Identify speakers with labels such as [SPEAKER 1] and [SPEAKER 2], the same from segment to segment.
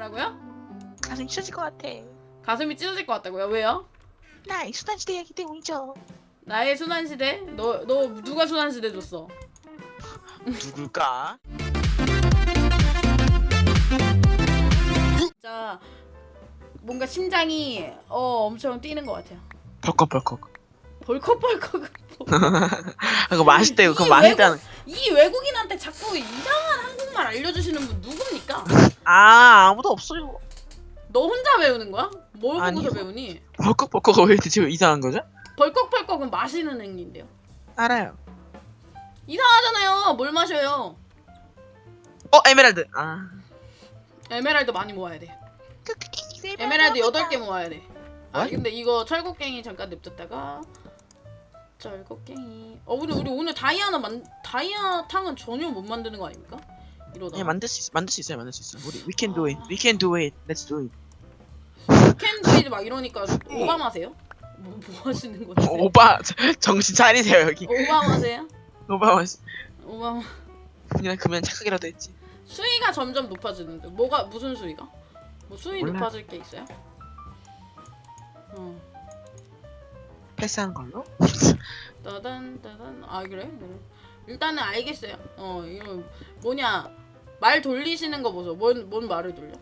[SPEAKER 1] 뭐라고요?
[SPEAKER 2] 가슴이 찢어질 것 같아.
[SPEAKER 1] 가슴이 찢어질 것 같다고요? 왜요?
[SPEAKER 2] 나 수단시대이기 때문이죠.
[SPEAKER 1] 나의 순환시대? 너 누가 순환시대 줬어?
[SPEAKER 2] 누굴까?
[SPEAKER 1] 진짜 뭔가 심장이 엄청 뛰는 것 같아요.
[SPEAKER 2] 벌컥벌컥.
[SPEAKER 1] 벌컥벌컥.
[SPEAKER 2] 그거 맛있대요. 그거
[SPEAKER 1] 이
[SPEAKER 2] 맛있다는.
[SPEAKER 1] 이 외국인한테 자꾸 이상한 한국말 알려주시는 분 누굽니까?
[SPEAKER 2] 아 아무도 없어요.
[SPEAKER 1] 너 혼자 배우는 거야? 뭘 보고서
[SPEAKER 2] 아니요.
[SPEAKER 1] 배우니?
[SPEAKER 2] 벌컥벌컥 왜 대체 이상한 거죠?
[SPEAKER 1] 벌컥벌컥은 마시는 행위인데요.
[SPEAKER 2] 알아요.
[SPEAKER 1] 이상하잖아요. 뭘 마셔요?
[SPEAKER 2] 에메랄드. 아.
[SPEAKER 1] 에메랄드 많이 모아야 돼. 에메랄드 8개 모아야 돼. 아
[SPEAKER 2] What?
[SPEAKER 1] 근데 이거 철곡갱이 잠깐 냅뒀다가 철곡갱이. 근데 우리 오늘 다이아 탕은 전혀 못 만드는 거 아닙니까? 이러다.
[SPEAKER 2] 예, 만들 수 있어요. 우리 we can do it. We can do it. Let's do it.
[SPEAKER 1] 캔드이드 막 이러니까 오바마세요? 뭐 하시는 건지?
[SPEAKER 2] 오빠 정신 차리세요 여기.
[SPEAKER 1] 오바마세요?
[SPEAKER 2] 오빠
[SPEAKER 1] 오바마.
[SPEAKER 2] 그냥 착하게라도 했지.
[SPEAKER 1] 수위가 점점 높아지는데 무슨 수위가? 뭐 수위
[SPEAKER 2] 몰라.
[SPEAKER 1] 높아질 게 있어요?
[SPEAKER 2] 패스한 걸로?
[SPEAKER 1] 따단 아 그래? 일단은 알겠어요. 이거 뭐냐 말 돌리시는 거 보소. 뭔 말을 돌려?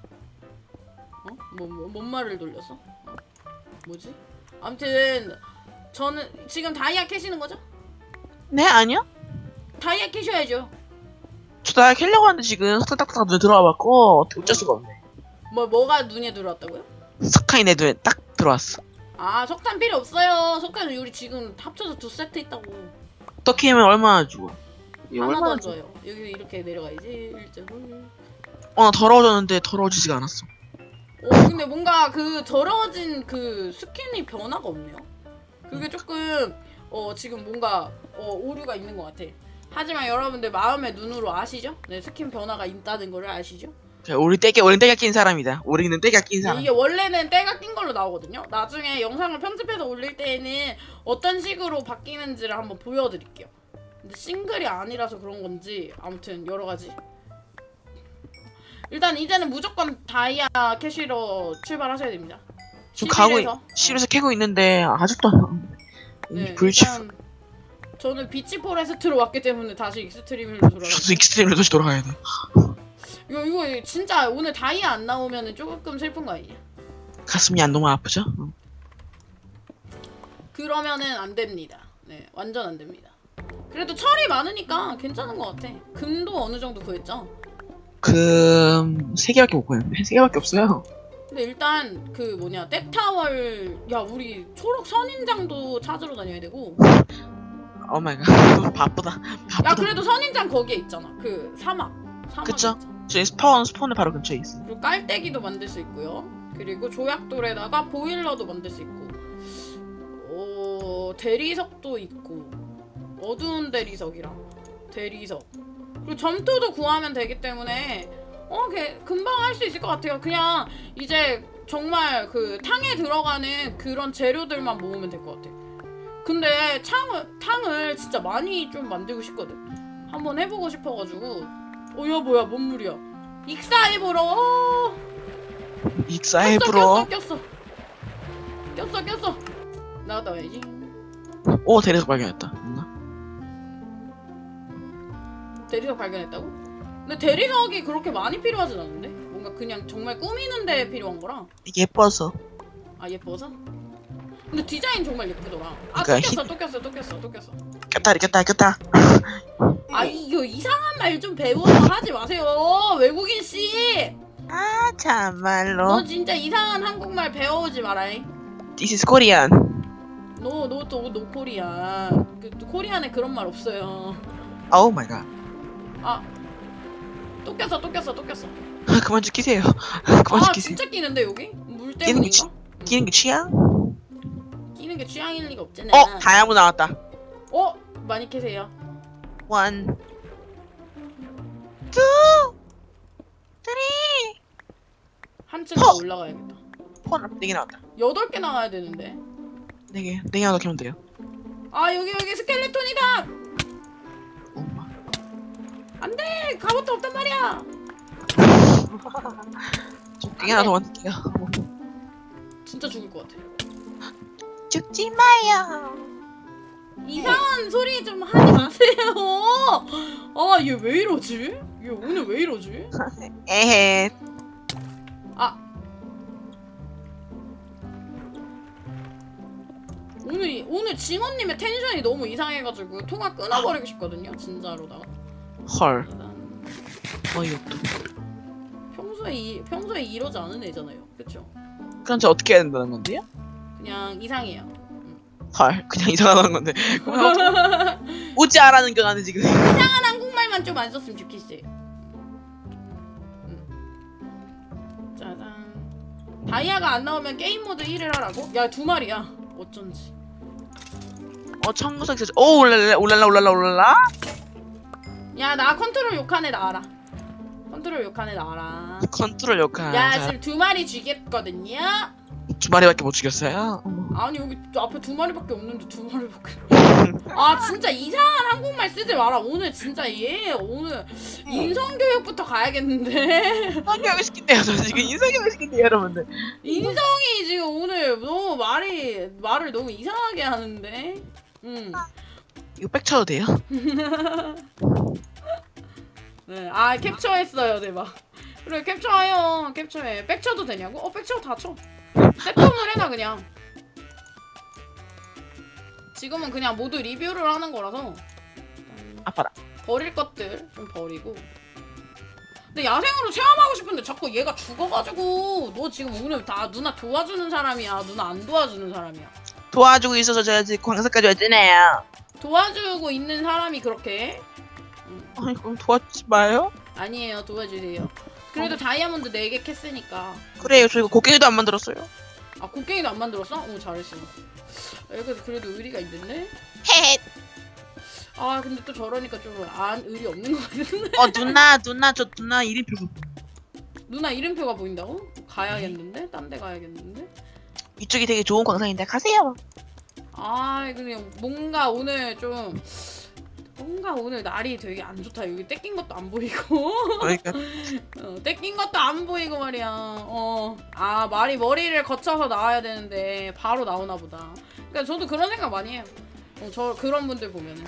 [SPEAKER 1] 뭔 말을 돌렸어? 뭐지? 아무튼 저는 지금 다이아 캐시는 거죠?
[SPEAKER 2] 네 아니요.
[SPEAKER 1] 다이아 캐셔야죠.
[SPEAKER 2] 저 다 캘려고 하는데 지금 딱딱딱 눈에 들어와봤고 어떻게 어쩔 수가 없네.
[SPEAKER 1] 뭐가 눈에 들어왔다고요?
[SPEAKER 2] 석탄이 내 눈에 딱 들어왔어.
[SPEAKER 1] 아 석탄 필요 없어요. 석탄은 우리 지금 합쳐서 2세트 있다고.
[SPEAKER 2] 더 캐면 얼마나 주고?
[SPEAKER 1] 하나도 안 줘요. 여기 이렇게 내려가야지. 1.5.
[SPEAKER 2] 나 더러워졌는데 더러워지지가 않았어.
[SPEAKER 1] 근데 뭔가 그 더러워진 그 스킨이 변화가 없네요. 그게 조금 지금 뭔가 오류가 있는 것 같아. 하지만 여러분들 마음의 눈으로 아시죠? 네, 스킨 변화가 있다는 거를 아시죠?
[SPEAKER 2] 우리 때가 낀 사람이다. 우리는 때가 낀 사람.
[SPEAKER 1] 이게 원래는 때가 낀 걸로 나오거든요. 나중에 영상을 편집해서 올릴 때에는 어떤 식으로 바뀌는지를 한번 보여드릴게요. 근데 싱글이 아니라서 그런 건지 아무튼 여러 가지. 일단 이제는 무조건 다이아 캐시로 출발하셔야 됩니다.
[SPEAKER 2] 지금 가고
[SPEAKER 1] 11에서.
[SPEAKER 2] 실에서 캐고 있는데 아직도
[SPEAKER 1] 네,
[SPEAKER 2] 불치.
[SPEAKER 1] 일단 저는 비치 포레스트로 왔기 때문에 다시 익스트림으로 돌아가요.
[SPEAKER 2] 저도 익스트림으로 다시 돌아가야 돼.
[SPEAKER 1] 이거 진짜 오늘 다이아 안 나오면은 조금 슬픈 거 아니냐?
[SPEAKER 2] 가슴이 안 너무 아프죠?
[SPEAKER 1] 그러면은 안 됩니다. 네, 완전 안 됩니다. 그래도 철이 많으니까 괜찮은 것 같아. 금도 어느 정도 구했죠?
[SPEAKER 2] 금 3개밖에 못 구했는데 3개밖에 없어요.
[SPEAKER 1] 근데 일단 그 뭐냐 떼타월 우리 초록 선인장도 찾으러 다녀야 되고.
[SPEAKER 2] 오 마이 갓. 바쁘다.
[SPEAKER 1] 그래도 선인장 거기에 있잖아. 그 사막
[SPEAKER 2] 그쵸?
[SPEAKER 1] 있잖아.
[SPEAKER 2] 저희 스폰은 바로 근처에 있어요.
[SPEAKER 1] 그리고 깔때기도 만들 수 있고요. 그리고 조약돌에다가 보일러도 만들 수 있고. 대리석도 있고. 어두운 대리석이랑 대리석. 그리고 점토도 구하면 되기 때문에 금방 할 수 있을 것 같아요. 그냥 이제 정말 그 탕에 들어가는 그런 재료들만 모으면 될 것 같아. 근데 탕을 진짜 많이 좀 만들고 싶거든. 한번 해보고 싶어가지고. 야 뭐야 뭔 물이야? 익사해보러.
[SPEAKER 2] 익사해브로.
[SPEAKER 1] 꼈어. 나갔다 와야지.
[SPEAKER 2] 오 대리석 발견했다.
[SPEAKER 1] 대리석 발견했다고? 근데 대리석이 그렇게 많이 필요하진 않은데? 뭔가 그냥 정말 꾸미는데 필요한 거라.
[SPEAKER 2] 예뻐서.
[SPEAKER 1] 아 예뻐서? 근데 디자인 정말 예쁘더라.
[SPEAKER 2] 그러니까
[SPEAKER 1] 또 꼈어.
[SPEAKER 2] 꼈다.
[SPEAKER 1] 이거 이상한 말 좀 배워서 하지 마세요. 외국인 씨.
[SPEAKER 2] 아 참말로.
[SPEAKER 1] 너 진짜 이상한 한국말 배워오지 마라잉.
[SPEAKER 2] This is Korean.
[SPEAKER 1] 노 코리안. 코리안에 그런 말 없어요.
[SPEAKER 2] 오 마이 갓.
[SPEAKER 1] 또 꼈어.
[SPEAKER 2] 그만 좀 끼세요. 그만 좀 끼세요.
[SPEAKER 1] 진짜 끼는데 여기? 물 때문인가?
[SPEAKER 2] 끼는 게 취향?
[SPEAKER 1] 끼는 게 취향일 리가 없잖아.
[SPEAKER 2] 다이아몬드 나왔다.
[SPEAKER 1] 많이 캐세요.
[SPEAKER 2] 1, 2, 3.
[SPEAKER 1] 한층 더 올라가야겠다.
[SPEAKER 2] 4개 나왔다.
[SPEAKER 1] 8개 나와야 되는데.
[SPEAKER 2] 4개 하나 더 캐면 돼요.
[SPEAKER 1] 여기 스켈레톤이다.
[SPEAKER 2] 엄마.
[SPEAKER 1] 안돼 갑옷도 없단 말이야.
[SPEAKER 2] 조끼 하나 더 만들게요.
[SPEAKER 1] 진짜 죽을 것 같아.
[SPEAKER 2] 죽지 마요.
[SPEAKER 1] 이상한 소리 좀 하지 마세요. 아, 얘 왜 이러지? 얘 오늘 왜 이러지?
[SPEAKER 2] 에헤.
[SPEAKER 1] 아. 오늘 징어님의 텐션이 너무 이상해가지고 통화 끊어버리고 싶거든요. 진짜로다가.
[SPEAKER 2] 헐. 어이없다.
[SPEAKER 1] 평소에 이러지 않은 애잖아요. 그쵸?
[SPEAKER 2] 그럼 저 어떻게 해야 된다는 건데요?
[SPEAKER 1] 그냥 이상해요.
[SPEAKER 2] 헐, 그냥 이상하다는 건데. 오지 않라는 게 나는 지금.
[SPEAKER 1] 이상한 한국말만 좀 안 썼으면 좋겠어요. 짜잔. 다이아가 안 나오면 게임 모드 1을 하라고? 야, 2마리야. 어쩐지.
[SPEAKER 2] 청구석 있어. 오, 올랄라.
[SPEAKER 1] 야, 나 컨트롤 욕하네 나와라. 컨트롤 욕하네 나와라.
[SPEAKER 2] 컨트롤 역할.
[SPEAKER 1] 야, 지금 2마리 죽였거든요.
[SPEAKER 2] 2마리밖에 못 죽였어요?
[SPEAKER 1] 아니, 여기 앞에 2마리밖에 없는데 2마리밖에. 아, 진짜 이상한 한국말 쓰지 마라. 오늘 진짜 얘 오늘 인성교육부터 가야겠는데.
[SPEAKER 2] 인성교육 시킨대요. 저 지금 인성교육 시킨대요, 여러분들.
[SPEAKER 1] 인성이 지금 오늘 너무 말을 너무 이상하게 하는데.
[SPEAKER 2] 이거 빽쳐도 돼요?
[SPEAKER 1] 네, 아 캡처했어요, 대박. 그래, 캡처해요. 캡처해. 백쳐도 되냐고? 백쳐 다 쳐. 세팅을 해놔 그냥. 지금은 그냥 모두 리뷰를 하는 거라서
[SPEAKER 2] 아파라.
[SPEAKER 1] 버릴 것들 좀 버리고. 근데 야생으로 체험하고 싶은데 자꾸 얘가 죽어가지고. 너 지금 오늘 다 누나 도와주는 사람이야, 누나 안 도와주는 사람이야?
[SPEAKER 2] 도와주고 있어서 제가 지금 광석까지 왔잖아요.
[SPEAKER 1] 도와주고 있는 사람이 그렇게.
[SPEAKER 2] 아니, 그럼 도와주지 마요?
[SPEAKER 1] 아니에요, 도와주세요. 그래도 다이아몬드 4개 캤으니까.
[SPEAKER 2] 그래요, 저 이거 곡괭이도 안 만들었어요.
[SPEAKER 1] 아, 곡괭이도 안 만들었어? 오, 잘했어. 그래도 의리가 있는데?
[SPEAKER 2] 헤헤.
[SPEAKER 1] 아, 근데 또 저러니까 좀 의리 없는 것 같은데?
[SPEAKER 2] 누나 이름표.
[SPEAKER 1] 누나 이름표가 보인다고? 가야겠는데? 딴 데 가야겠는데?
[SPEAKER 2] 이쪽이 되게 좋은 광산인데 가세요.
[SPEAKER 1] 아, 그냥 뭔가 오늘 날이 되게 안 좋다. 여기 떼낀 것도 안 보이고.
[SPEAKER 2] 그러니까
[SPEAKER 1] 떼낀 것도 안 보이고 말이야. 아, 머리를 거쳐서 나와야 되는데 바로 나오나 보다. 그러니까 저도 그런 생각 많이 해요. 저 그런 분들 보면은.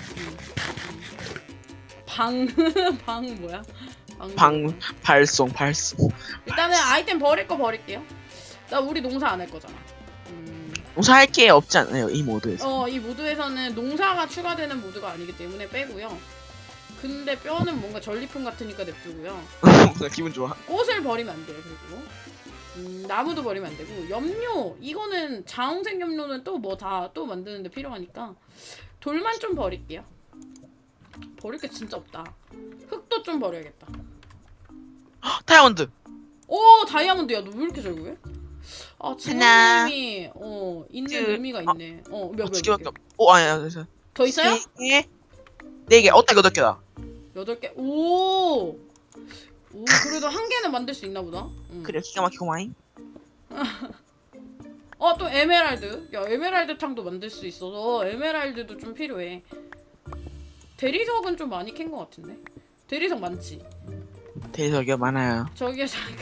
[SPEAKER 1] 방 뭐야?
[SPEAKER 2] 발송.
[SPEAKER 1] 일단은 아이템 버릴 거 버릴게요. 나 우리 농사 안 할 거잖아.
[SPEAKER 2] 농사할 게 없지 않나요, 이 모드에서?
[SPEAKER 1] 이 모드에서는 농사가 추가되는 모드가 아니기 때문에 빼고요. 근데 뼈는 뭔가 전리품 같으니까 냅두고요.
[SPEAKER 2] 기분 좋아.
[SPEAKER 1] 꽃을 버리면 안 돼요. 그리고 나무도 버리면 안 되고, 염료 이거는 자홍색 염료는 또 또 만드는데 필요하니까 돌만 좀 버릴게요. 버릴 게 진짜 없다. 흙도 좀 버려야겠다.
[SPEAKER 2] 다이아몬드.
[SPEAKER 1] 오, 다이아몬드야. 너 왜 이렇게 잘 구해? 아,
[SPEAKER 2] 하나,
[SPEAKER 1] 지모님이 있는
[SPEAKER 2] 둘,
[SPEAKER 1] 의미가 있네. 몇
[SPEAKER 2] 두 개밖에
[SPEAKER 1] 개?
[SPEAKER 2] 없. 오, 아니야, 그래서
[SPEAKER 1] 더 있어요?
[SPEAKER 2] 3개, 4개. 딱 8개다.
[SPEAKER 1] 8개. 오, 그래도 한 개는 만들 수 있나 보다.
[SPEAKER 2] 그래, 기가 막히고 많이.
[SPEAKER 1] 또 에메랄드. 야, 에메랄드 탕도 만들 수 있어서 에메랄드도 좀 필요해. 대리석은 좀 많이 캔 것 같은데. 대리석 많지.
[SPEAKER 2] 대리석이요, 많아요.
[SPEAKER 1] 저기요, 자기가.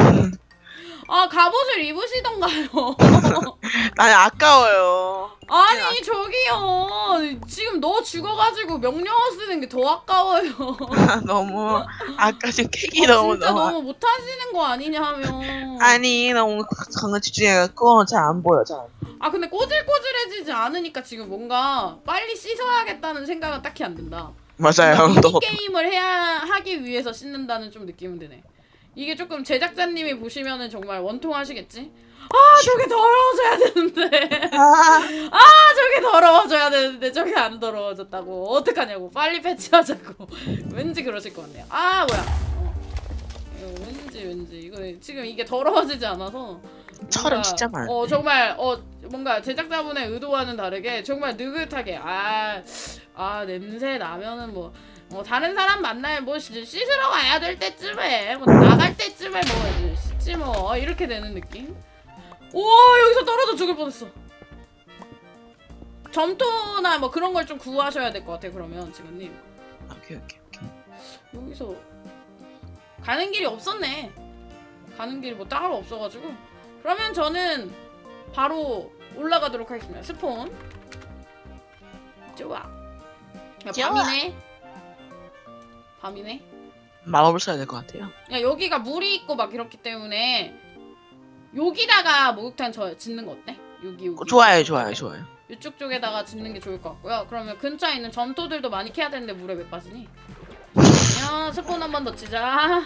[SPEAKER 1] 갑옷을 입으시던가요.
[SPEAKER 2] 나는 아까워요.
[SPEAKER 1] 아니, 저기요. 지금 너 죽어가지고 명령어 쓰는 게 더 아까워요.
[SPEAKER 2] 너무 아까 지금 캐기 너무
[SPEAKER 1] 진짜 너무 못하시는 거 아니냐면.
[SPEAKER 2] 아니 너무 강한 집중해갖고 잘 안 보여. 잘.
[SPEAKER 1] 근데 꼬질꼬질해지지 않으니까 지금 뭔가 빨리 씻어야겠다는 생각은 딱히 안 든다.
[SPEAKER 2] 맞아요.
[SPEAKER 1] 미니 게임을 하기 위해서 씻는다는 좀 느낌은 드네. 이게 조금 제작자님이 보시면은 정말 원통하시겠지? 저게 더러워져야 되는데. 저게 더러워져야 되는데 저게 안 더러워졌다고. 어떡하냐고. 빨리 패치하자고. 왠지 그러실 것 같네요. 뭐야. 이거 왠지 이거 지금 이게 더러워지지 않아서
[SPEAKER 2] 철은 진짜 많아.
[SPEAKER 1] 정말 뭔가 제작자분의 의도와는 다르게 정말 느긋하게 냄새 나면은 뭐 다른 사람 만나면 뭐 씻으러 가야 될 때쯤에 나갈 때쯤에 씻지 이렇게 되는 느낌. 우와, 여기서 떨어져 죽을 뻔했어. 점토나 그런 걸 좀 구하셔야 될 것 같아. 그러면 지금님
[SPEAKER 2] 오케이.
[SPEAKER 1] 여기서 가는 길이 없었네. 가는 길이 뭐 따로 없어가지고. 그러면 저는 바로 올라가도록 하겠습니다. 스폰. 좋아. 야,
[SPEAKER 2] 좋아.
[SPEAKER 1] 밤이네. 밤이네.
[SPEAKER 2] 마법을 써야 될 것 같아요.
[SPEAKER 1] 야, 여기가 물이 있고 막 이렇기 때문에 여기다가 목욕탕 짓는 거 어때? 여기.
[SPEAKER 2] 좋아요, 좋아요, 좋아요.
[SPEAKER 1] 이쪽 쪽에다가 짓는 게 좋을 것 같고요. 그러면 근처에 있는 점토들도 많이 캐야 되는데 물에 왜 빠지니? 야, 스폰 한 번 더 치자.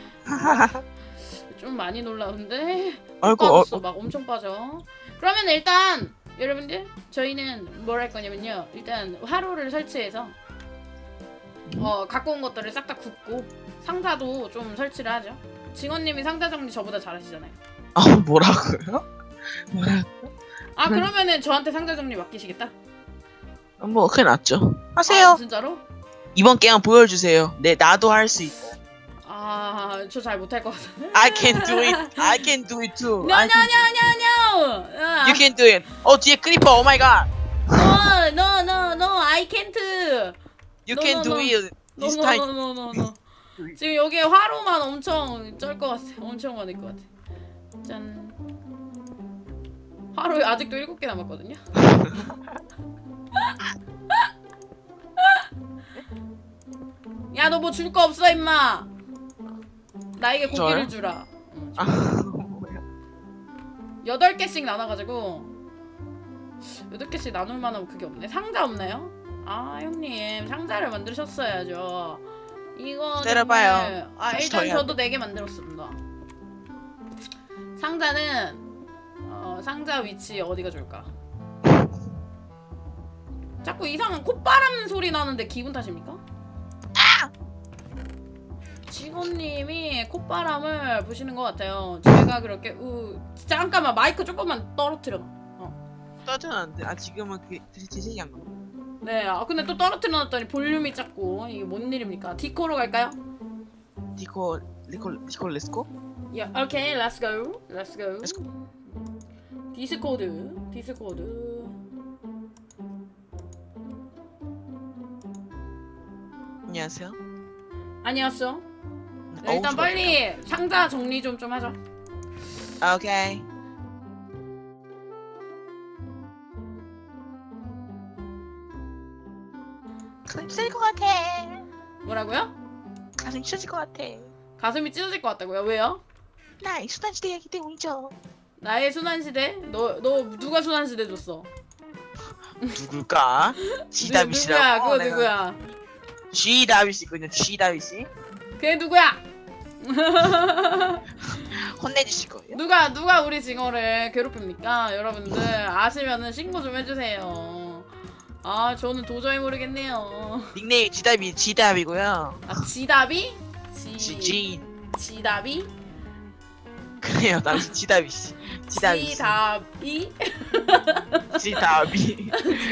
[SPEAKER 1] 좀 많이 놀라운데?
[SPEAKER 2] 아이고,
[SPEAKER 1] 빠졌어. 막 엄청 빠져. 그러면 일단 여러분들 저희는 뭘 할 거냐면요. 일단 화로를 설치해서 갖고 온 것들을 싹 다 굽고 상자도 좀 설치를 하죠. 징어님이 상자 정리 저보다 잘하시잖아요.
[SPEAKER 2] 뭐라고요?
[SPEAKER 1] 아, 그러면은 저한테 상자 정리 맡기시겠다?
[SPEAKER 2] 뭐 그게 낫죠. 하세요.
[SPEAKER 1] 아, 진짜로?
[SPEAKER 2] 이번 게임 보여주세요. 네, 나도 할 수 있다.
[SPEAKER 1] 아, 저 잘 못할 것 같아.
[SPEAKER 2] I can do it. I can do it too.
[SPEAKER 1] No,
[SPEAKER 2] I
[SPEAKER 1] no,
[SPEAKER 2] can-
[SPEAKER 1] no, no, no.
[SPEAKER 2] You can do it. 뒤에 크리퍼. 오 마이 갓.
[SPEAKER 1] No, no, no, no. I can't.
[SPEAKER 2] You
[SPEAKER 1] No,
[SPEAKER 2] can
[SPEAKER 1] no,
[SPEAKER 2] do
[SPEAKER 1] no.
[SPEAKER 2] it.
[SPEAKER 1] No,
[SPEAKER 2] This
[SPEAKER 1] no,
[SPEAKER 2] time.
[SPEAKER 1] no, no, no, no. 지금 여기에 화로만 엄청 쩔 것 같아. 엄청 많을 것 같아. 짠. 화로 아직도 7개 남았거든요. 야, 너 뭐 줄 거 없어, 임마. 나에게 고기를
[SPEAKER 2] 저요?
[SPEAKER 1] 주라.
[SPEAKER 2] 아, 뭐야.
[SPEAKER 1] 8개씩 나눠가지고 8개씩 나눌 만한 그게 없네. 상자 없나요? 아, 형님 상자를 만드셨어야죠. 이거
[SPEAKER 2] 때려봐요.
[SPEAKER 1] 정말... 아,
[SPEAKER 2] 다시
[SPEAKER 1] 일단
[SPEAKER 2] 더 해야
[SPEAKER 1] 저도 4개 만들었습니다. 상자는 상자 위치 어디가 좋을까? 자꾸 이상한 콧바람 소리 나는데 기분 탓입니까? 직원님이 콧바람을 부시는 것 같아요. 제가 그렇게 잠깐만 마이크 조금만 떨어뜨려.
[SPEAKER 2] 떠드는데 지금은 그게 되게 한 거.
[SPEAKER 1] 네, 근데 또 떨어뜨려 놨더니 볼륨이 작고 이게 뭔 일입니까? 디코로 갈까요?
[SPEAKER 2] 디코 렛츠고.
[SPEAKER 1] 야, 오케이, let's go, let's go.
[SPEAKER 2] Let's
[SPEAKER 1] 디스코드.
[SPEAKER 2] 안녕하세요.
[SPEAKER 1] 안녕하세요. 네, 일단 빨리 상자 정리 좀 하자.
[SPEAKER 2] 오케이. 가슴 찢어질 것 같아.
[SPEAKER 1] 뭐라고요?
[SPEAKER 2] 가슴 찢어질 것 같아.
[SPEAKER 1] 가슴이 찢어질 것 같다고요? 왜요?
[SPEAKER 2] 나의 수단지대이기 때문이죠.
[SPEAKER 1] 나의 순환시대? 너 누가 순환시대 줬어?
[SPEAKER 2] 누굴까? 시다비씨라고.
[SPEAKER 1] 누구야? 그거 누구야?
[SPEAKER 2] 시다비씨군요. 시다비씨.
[SPEAKER 1] 그게 누구야?
[SPEAKER 2] 혼내주실 거예요?
[SPEAKER 1] 누가 우리 징어를 괴롭힙니까? 여러분들 아시면은 신고 좀 해주세요. 아, 저는 도저히 모르겠네요.
[SPEAKER 2] 닉네임 지답이고요.
[SPEAKER 1] 아, 지답이?
[SPEAKER 2] 지
[SPEAKER 1] 지답이?
[SPEAKER 2] 그래요. 나 지답이씨. 지답이.
[SPEAKER 1] 지답이?
[SPEAKER 2] 지답이.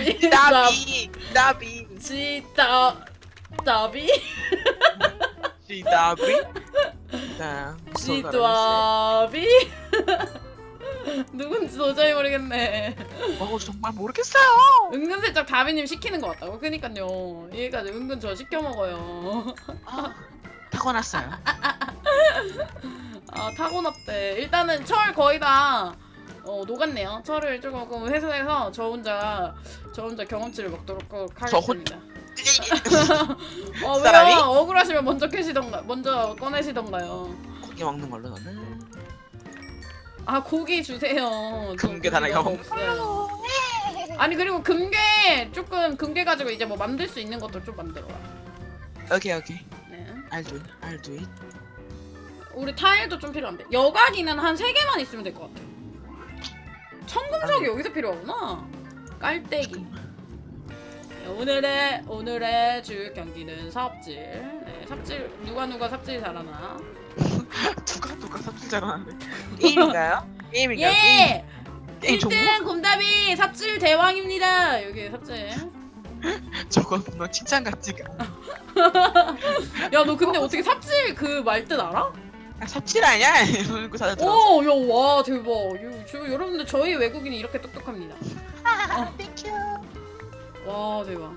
[SPEAKER 1] 지답이?
[SPEAKER 2] 지답이. 자,
[SPEAKER 1] 지답이? 누군지 도저히 모르겠네.
[SPEAKER 2] 정말 모르겠어요.
[SPEAKER 1] 은근슬쩍 다비님 시키는 것 같다고. 그니까요. 얘가 은근 저 시켜 먹어요.
[SPEAKER 2] 타고났어요.
[SPEAKER 1] 아, 타고났대. 일단은 철 거의 다 녹았네요. 철을 조금 회수해서 저 혼자 경험치를 먹도록 하겠습니다.
[SPEAKER 2] 사람이?
[SPEAKER 1] 왜요? 억울하시면 먼저 꺼내시던가요.
[SPEAKER 2] 고기 먹는 걸로 너는.
[SPEAKER 1] 아, 고기 주세요. 저
[SPEAKER 2] 금괴 하나
[SPEAKER 1] 고기가
[SPEAKER 2] 먹-
[SPEAKER 1] 없어요. 아니, 그리고 금괴 가지고 이제 뭐 만들 수 있는 것도 좀 만들어.
[SPEAKER 2] 오케이.
[SPEAKER 1] 네.
[SPEAKER 2] I'll do it.
[SPEAKER 1] 우리 타일도 좀 필요한데 여과기는 한 3개만 있으면 될 것 같아. 청금석이 여기서 필요하구나. 깔때기. 네, 오늘의 주 경기는 삽질. 네, 삽질 누가 삽질 잘하나?
[SPEAKER 2] 누가 삽질 잘하는데. 게임인가요?
[SPEAKER 1] 예!
[SPEAKER 2] 게임 종목?
[SPEAKER 1] 1등 곰다비 삽질 대왕입니다. 여기 삽질.
[SPEAKER 2] 저건 너 칭찬 같지가.
[SPEAKER 1] 야, 너 근데 어떻게 삽질 그 말 뜻 알아?
[SPEAKER 2] 삽질 아니야? 이러는 거 사다 들어.
[SPEAKER 1] 오, 야, 와, 대박. 여러분들 저희 외국인이 이렇게 똑똑합니다.
[SPEAKER 2] 땡큐.
[SPEAKER 1] 와, 대박.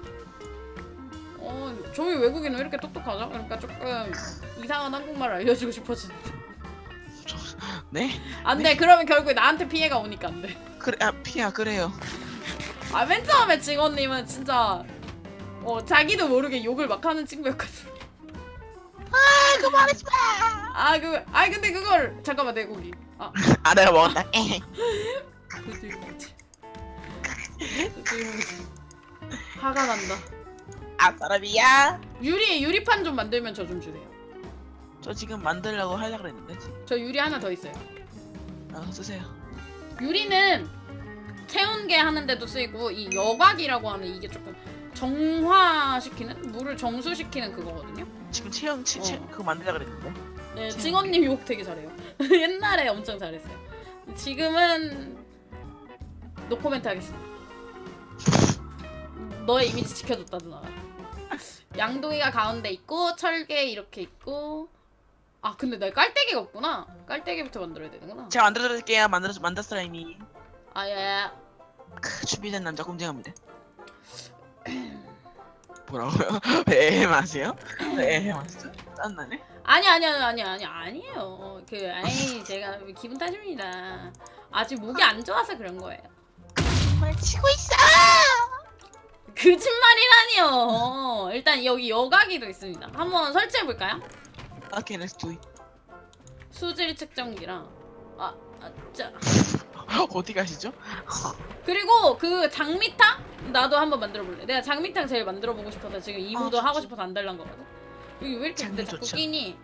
[SPEAKER 1] 저희 외국인은 왜 이렇게 똑똑하죠? 그러니까 조금 이상한 한국말을 알려주고 싶어지는데.
[SPEAKER 2] 네?
[SPEAKER 1] 안돼. 그러면 결국에 나한테 피해가 오니까 안돼.
[SPEAKER 2] 그래, 아, 피야, 그래요.
[SPEAKER 1] 아 맨 처음에 직원님은 진짜 자기도 모르게 욕을 막 하는 친구였거든.
[SPEAKER 2] 아, 그만하지 마!
[SPEAKER 1] 아니 근데 그걸 잠깐만 내 고기. 아
[SPEAKER 2] 아, 내가 먹었다. 에헤.
[SPEAKER 1] 그지 뭐지? 그지 뭐지? 화가 난다.
[SPEAKER 2] 아, 사람이야.
[SPEAKER 1] 유리판 좀 만들면 저 좀 주세요.
[SPEAKER 2] 저 지금 만들려고 하려고 그랬는데.
[SPEAKER 1] 저 유리 하나 더 있어요.
[SPEAKER 2] 아, 쓰세요.
[SPEAKER 1] 유리는 채운 게 하는데도 쓰이고 이 여곽이라고 하는 이게 조금 정화시키는 물을 정수시키는 그거거든요.
[SPEAKER 2] 지금 체형, 그거 만들려고 그랬는데.
[SPEAKER 1] 네,
[SPEAKER 2] 채운
[SPEAKER 1] 직원님 욕 되게 잘해요. 옛날에 엄청 잘했어요. 지금은 노코멘트 하겠습니다. 너의 이미지 지켜줬다 누나가. 양동이가 가운데 있고 철개 이렇게 있고. 아 근데 나 깔때기가 없구나. 깔때기부터 만들어야 되는구나.
[SPEAKER 2] 제가 만들어드릴게요. 만들었어요, 이미.
[SPEAKER 1] 아예.
[SPEAKER 2] 준비된 남자 공정합니다. 뭐라고요? 왜 마세요? 왜 마세요? 짠나네?
[SPEAKER 1] 아니에요. 제가 기분 탓입니다. 아직 목이 안 좋아서 그런 거예요.
[SPEAKER 2] 정말 치고 있어!
[SPEAKER 1] 거짓말이라니요. 일단 여기 여과기도 있습니다. 한번 설치해 볼까요?
[SPEAKER 2] 오케이, let's do it.
[SPEAKER 1] 수질 측정기랑 자.
[SPEAKER 2] 어디 가시죠?
[SPEAKER 1] 그리고 그 장미탕 나도 한번 만들어 볼래. 내가 장미탕 제일 만들어 보고 싶어서 지금 이모도 하고 싶어서 안 달란 거거든. 여기 왜 이렇게 근데 자꾸
[SPEAKER 2] 좋죠.
[SPEAKER 1] 끼니?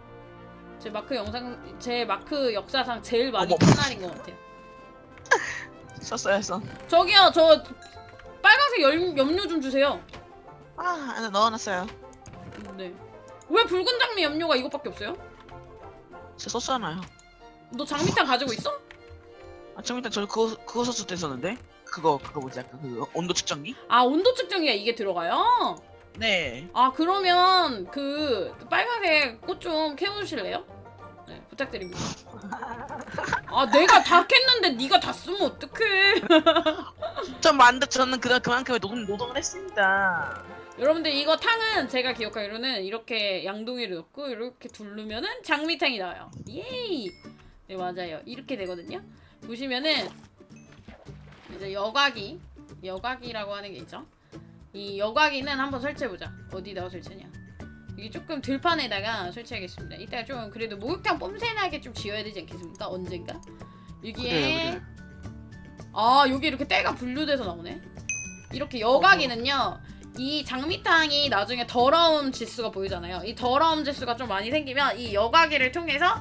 [SPEAKER 1] 제 마크 역사상 제일 많이
[SPEAKER 2] 어머.
[SPEAKER 1] 낀 날인 것 같아요.
[SPEAKER 2] 썼어요, 써.
[SPEAKER 1] 저기요, 저 빨간색 염료 좀 주세요.
[SPEAKER 2] 아, 안에 넣어놨어요.
[SPEAKER 1] 네. 왜 붉은 장미 염료가 이것밖에 없어요?
[SPEAKER 2] 저 썼잖아요.
[SPEAKER 1] 너 장미탕 가지고 있어?
[SPEAKER 2] 아, 좀 일단 저 그거 썼을 때 썼는데? 그거 뭐지? 약간 그 온도 측정기?
[SPEAKER 1] 아, 온도 측정기가 이게 들어가요?
[SPEAKER 2] 네.
[SPEAKER 1] 아, 그러면 그 빨간색 꽃 좀 캐주실래요? 네, 부탁드립니다. 아, 내가 다 캤는데 네가 다 쓰면 어떡해?
[SPEAKER 2] 저는 그만큼의 노동을 했습니다.
[SPEAKER 1] 여러분들 이거 탕은 제가 기억하기로는 이렇게 양동이를 넣고 이렇게 두르면은 장미탕이 나와요. 예이. 네, 맞아요. 이렇게 되거든요. 보시면은 이제 여과기라고 하는 게 있죠. 이 여과기는 한번 설치해보자. 어디다가 설치냐? 이게 조금 들판에다가 설치하겠습니다. 이따가 좀 그래도 목욕탕 뽐새나게 좀 지어야 되지 않겠습니까? 언젠가? 여기에
[SPEAKER 2] 그래요.
[SPEAKER 1] 여기 이렇게 때가 분류돼서 나오네. 이렇게 여과기는요. 이 장미탕이 나중에 더러움 지수가 보이잖아요. 이 더러움 지수가 좀 많이 생기면 이 여과기를 통해서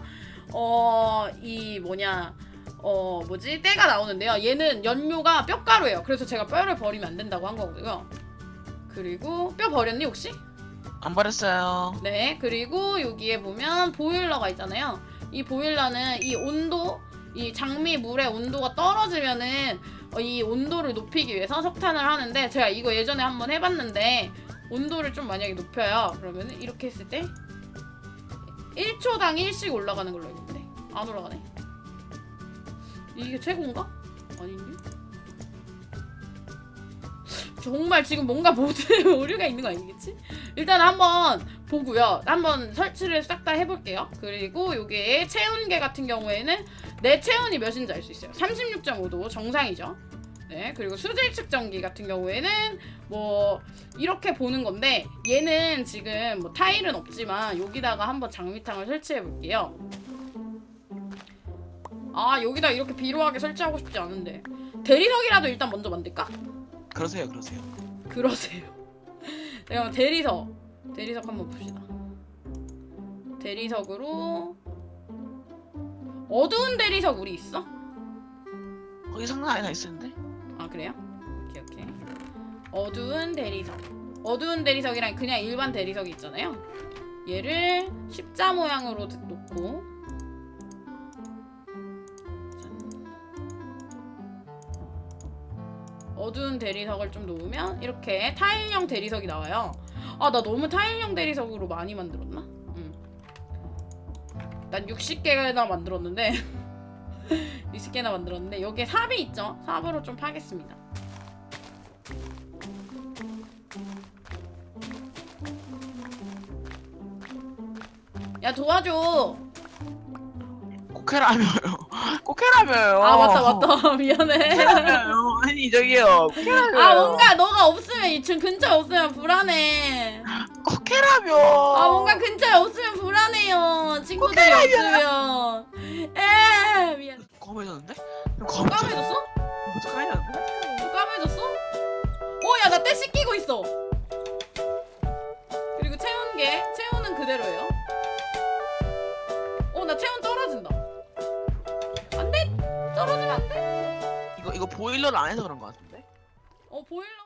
[SPEAKER 1] 때가 나오는데요. 얘는 연료가 뼈가루예요. 그래서 제가 뼈를 버리면 안 된다고 한 거고요. 그리고 뼈 버렸니 혹시?
[SPEAKER 2] 안 버렸어요.
[SPEAKER 1] 네. 그리고 여기에 보면 보일러가 있잖아요. 이 보일러는 이 장미 물의 온도가 떨어지면은 이 온도를 높이기 위해서 석탄을 하는데 제가 이거 예전에 한번 해봤는데 온도를 좀 만약에 높여요. 그러면은 이렇게 했을 때 1초당 1씩 올라가는 걸로 알고 있는데 안 올라가네. 이게 최고인가? 아닌데? 정말 지금 뭔가 모드에 오류가 있는 거 아니겠지? 일단 한번 보고요. 한번 설치를 싹 다 해볼게요. 그리고 요게 체온계 같은 경우에는 내 체온이 몇인지 알 수 있어요. 36.5도 정상이죠. 네, 그리고 수질 측정기 같은 경우에는 뭐 이렇게 보는 건데 얘는 지금 뭐 타일은 없지만 여기다가 한번 장미탕을 설치해 볼게요. 아, 여기다 이렇게 비로하게 설치하고 싶지 않은데 대리석이라도 일단 먼저 만들까?
[SPEAKER 2] 그러세요.
[SPEAKER 1] 그러세요. 내가 대리석 한번 봅시다. 대리석으로 어두운 대리석 우리 있어?
[SPEAKER 2] 거기 상단 안에 다 있었는데?
[SPEAKER 1] 아, 그래요? 오케이. 어두운 대리석이랑 그냥 일반 대리석이 있잖아요. 얘를 십자 모양으로 놓고 어두운 대리석을 좀 놓으면 이렇게 타일형 대리석이 나와요. 아, 나 너무 타일형 대리석으로 많이 만들었나? 난 60개나 만들었는데 60개나 만들었는데 여기에 삽이 있죠? 삽으로 좀 파겠습니다. 야, 도와줘.
[SPEAKER 2] 꼭 해라며요. 꼭 해라며요.
[SPEAKER 1] 아 맞다 미안해.
[SPEAKER 2] 해라며요. 아니 저기요. 꼭 해라며요.
[SPEAKER 1] 아 뭔가 너가 없으면 이 근처에 없으면 불안해.
[SPEAKER 2] 꼭 해라며.
[SPEAKER 1] 아 뭔가 근처에 없으면 불안해요. 친구들이 없으면. 에 미안.
[SPEAKER 2] 검해졌는데?
[SPEAKER 1] 까매졌어?
[SPEAKER 2] 어떡하냐?
[SPEAKER 1] 또 까매졌어? 야 나 때 씻기고 있어. 그리고 체온은 그대로예요. 나 체온 떨어진다. 안돼 떨어지면 안돼.
[SPEAKER 2] 이거 보일러를 안 해서 그런 거 같은데?
[SPEAKER 1] 보일러.